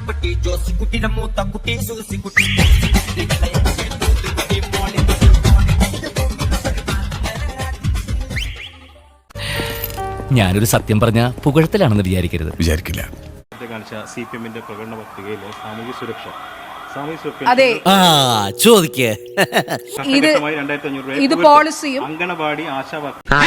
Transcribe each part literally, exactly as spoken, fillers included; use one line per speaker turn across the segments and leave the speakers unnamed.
മാത്തുക്കുട്ടി ജോസിക്കുട്ടിയുടെ മൂത്തക്കുട്ടി സൂസിക്കുട്ടി.
ഞാനൊരു സത്യം പറഞ്ഞ പുകഴത്തിലാണെന്ന് വിചാരിക്കരുത്.
വിചാരിക്കില്ല.
സി പി എമ്മിന്റെ പ്രകടന പത്രികയിലെ സാമൂഹ്യ സുരക്ഷ
അതെ
ചോദിക്കേ
ഇത് ഇത് പോളിസിയും
അംഗനവാടി ആശാ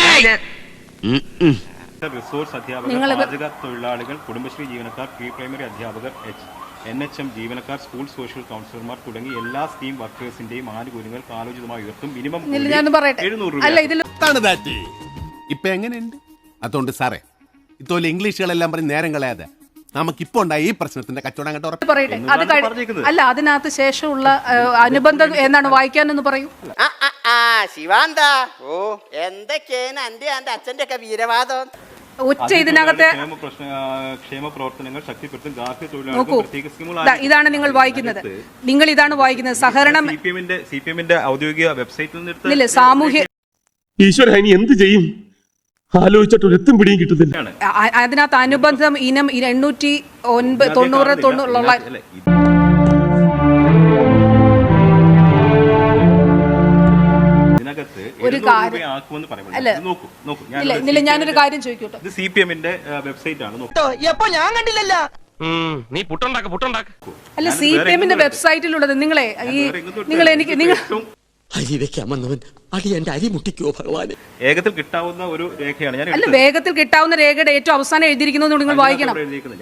റിസോഴ്സ് അധ്യാപകർ, പാചക തൊഴിലാളികൾ, കുടുംബശ്രീ ജീവനക്കാർ, പ്രീ പ്രൈമറി അധ്യാപകർ, എൻ എച്ച് എം ജീവനക്കാർ, സ്കൂൾ സോഷ്യൽ കൗൺസിലർമാർ തുടങ്ങി എല്ലാ സ്കീം വർക്കേഴ്സിന്റെയും ആനുകൂല്യങ്ങൾ കാലോചിതമായി ഉയർത്തും. മിനിമം എഴുന്നൂറ് രൂപ.
ഇപ്പൊ എങ്ങനെയുണ്ട്? അതുകൊണ്ട് സാറേ ഇത്തോലെ ഇംഗ്ലീഷുകളെല്ലാം പറഞ്ഞ് നേരം കളയാതെ നമുക്കിപ്പോ ഉണ്ടായ ഈ പ്രശ്നത്തിന്റെ കച്ചവടം അങ്ങോട്ട്
പറയട്ടെ. അത് അല്ല, അതിനകത്ത് ശേഷമുള്ള അനുബന്ധം എന്നാണ് വായിക്കാനെന്ന് പറയൂ.
ശിവാന്ത, ഓ എന്തൊക്കെയാണ് എന്റെ എന്റെ അച്ഛന്റെ ഒക്കെ വീരവാദം.
ഒറ്റ ഇതിനകത്തെ
ക്ഷേമ പ്രവർത്തനങ്ങൾ ശക്തിപ്പെടുത്തും. ഗാർഹിക
നോക്കൂ,
തൊഴിലാളികൾ
ഇതാണ് നിങ്ങൾ വായിക്കുന്നത്. നിങ്ങൾ ഇതാണ് വായിക്കുന്നത്. സഹകരണം
സി പി എമ്മിന്റെ സി പി എമ്മിന്റെ ഔദ്യോഗിക വെബ്സൈറ്റിൽ
നിന്ന് സാമൂഹ്യ
ഈശ്വര ഇനി എന്ത് ചെയ്യും ആലോചിച്ചിട്ട് ഒരു എത്തും പിടിയും കിട്ടുന്നില്ല.
അതിനകത്ത് അനുബന്ധം ഇനം എണ്ണൂറ്റി ഒൻപത് തൊണ്ണൂറ് തൊണ്ണൂറുള്ള ഒരു കാര്യം അല്ല, ഞാനൊരു കാര്യം ചോദിക്കട്ടെ.
ഇത് സി പി എമ്മിന്റെ വെബ്സൈറ്റ് ആണ്.
ഞാൻ കണ്ടില്ലല്ലോ.
നീ പുട്ടുണ്ടാക്ക പുട്ടുണ്ടാക്ക
അല്ല, സി പി എമ്മിന്റെ വെബ്സൈറ്റിലുള്ളത് നിങ്ങളെ ഈ നിങ്ങൾ എനിക്ക് നിങ്ങൾ
അരി വെക്കാമെന്നവൻ അടി എന്റെ അരി മുട്ടിക്കോ ഭഗവാന്.
വേഗത്തിൽ കിട്ടാവുന്ന ഒരു രേഖയാണ് ഞാൻ.
അല്ല, വേഗത്തിൽ കിട്ടാവുന്ന രേഖയുടെ ഏറ്റവും അവസാനം എഴുതിയിരിക്കുന്നത് നിങ്ങൾ വായിക്കണം.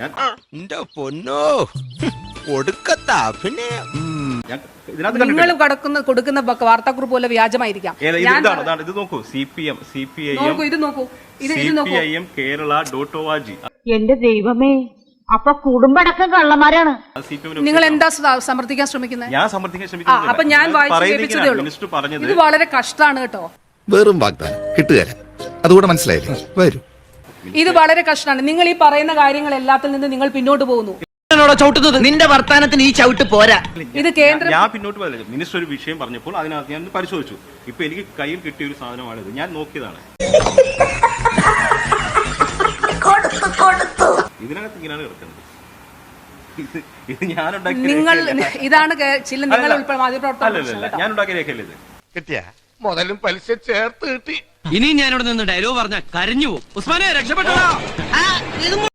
നിങ്ങൾ കടക്കുന്ന കൊടുക്കുന്ന വാർത്താക്കുറിപ്പ് പോലെ വ്യാജമായിരിക്കാം.
ഇത് നോക്കൂ, C P M C P I M
ഇത് നോക്കൂ, ഇത്
C P I M Kerala dot O R G.
എന്റെ ദൈവമേ, അപ്പൊ കുടുംബടക്കം കള്ളന്മാരാണ്.
നിങ്ങൾ എന്താ സമർത്ഥിക്കാൻ ശ്രമിക്കുന്നത്?
ഞാൻ സമർത്ഥിക്കാൻ ശ്രമിക്കുന്നത്
അപ്പൊ ഞാൻ വായിച്ചതേ ഉള്ളൂ. ഇത് വളരെ കഷ്ടമാണ് കേട്ടോ.
വെറും വാഗ്ദാനം കിട്ടുകയല്ല. അതുകൂടെ മനസ്സിലായില്ലേ? വരൂ.
ഇത് വളരെ കഷ്ടമാണ്. നിങ്ങൾ ഈ പറയുന്ന കാര്യങ്ങൾ എല്ലാത്തിൽ നിന്ന് നിങ്ങൾ പിന്നോട്ട് പോകുന്നു.
നിന്റെ വർത്താനത്തിന് ഈ ചവിട്ട് പോരാ.
ഇത് കേന്ദ്രം
ഞാൻ പിന്നോട്ട് പോയില്ല. മിനിസ്റ്റർ ഒരു വിഷയം പറഞ്ഞപ്പോൾ അതിനകത്ത് ഞാൻ പരിശോധിച്ചു. ഇപ്പൊ എനിക്ക് കയ്യിൽ കിട്ടിയ ഒരു സാധനമാണിത്. ഞാൻ നോക്കിയതാണ്. ഇതിനകത്ത് ഇങ്ങനെയാണ് കിടക്കുന്നത്. ഇത് ഞാൻ
നിങ്ങൾ ഇതാണ് ചില നിങ്ങൾ
ഞാൻ ഉണ്ടാക്കിയ രേഖയല്ലേ ഇത്?
കിട്ടിയ മുതലും പലിശ ചേർത്ത് കിട്ടി.
ഇനി ഞാനിവിടെ നിന്ന് ഡയലോഗ് പറഞ്ഞ കരഞ്ഞു പോകും. ഉസ്മാനെ രക്ഷപ്പെട്ടോ.